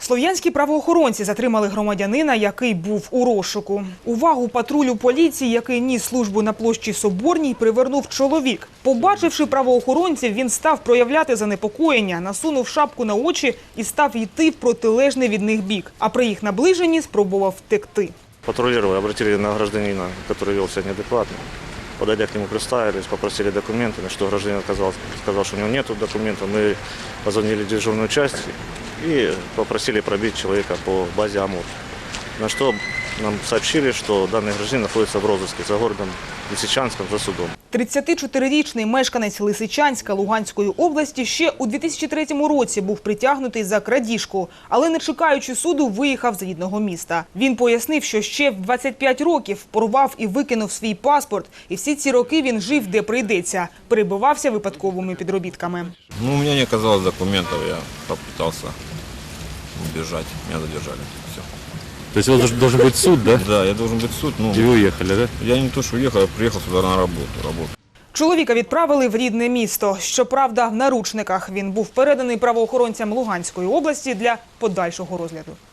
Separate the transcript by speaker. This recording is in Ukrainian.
Speaker 1: Слов'янські правоохоронці затримали громадянина, який був у розшуку. Увагу патрулю поліції, який ніс службу на площі Соборній, привернув чоловік. Побачивши правоохоронців, він став проявляти занепокоєння, насунув шапку на очі і став йти в протилежний від них бік. А при їх наближенні спробував втекти.
Speaker 2: Патрулировали, обратили на гражданина, который вел себя неадекватно. Подойдя к нему, представились, попросили документы, на что гражданин сказал, что у него нет документов. Мы позвонили в дежурную часть и попросили пробить человека по базе АМУР. На что нам сообщили, что данный гражданин находится в розыске за городом Лисичанском, за судом.
Speaker 1: 34-річний мешканець Лисичанська Луганської області ще у 2003 році був притягнутий за крадіжку, але не чекаючи суду, виїхав з рідного міста. Він пояснив, що ще в 25 років порвав і викинув свій паспорт, і всі ці роки він жив, де прийдеться, перебивався випадковими підробітками.
Speaker 3: У меня не оказалось документов, я попытался убежать, меня задержали. Все.
Speaker 4: То есть у вас должен быть суд, да?
Speaker 3: Да, я должен быть в суд,
Speaker 4: И вы уехали, да?
Speaker 3: я не то, что уехал, я приехал сюда на работу.
Speaker 1: Чоловіка відправили в рідне місто. Щоправда, в наручниках. Він був переданий правоохоронцям Луганської області для подальшого розгляду.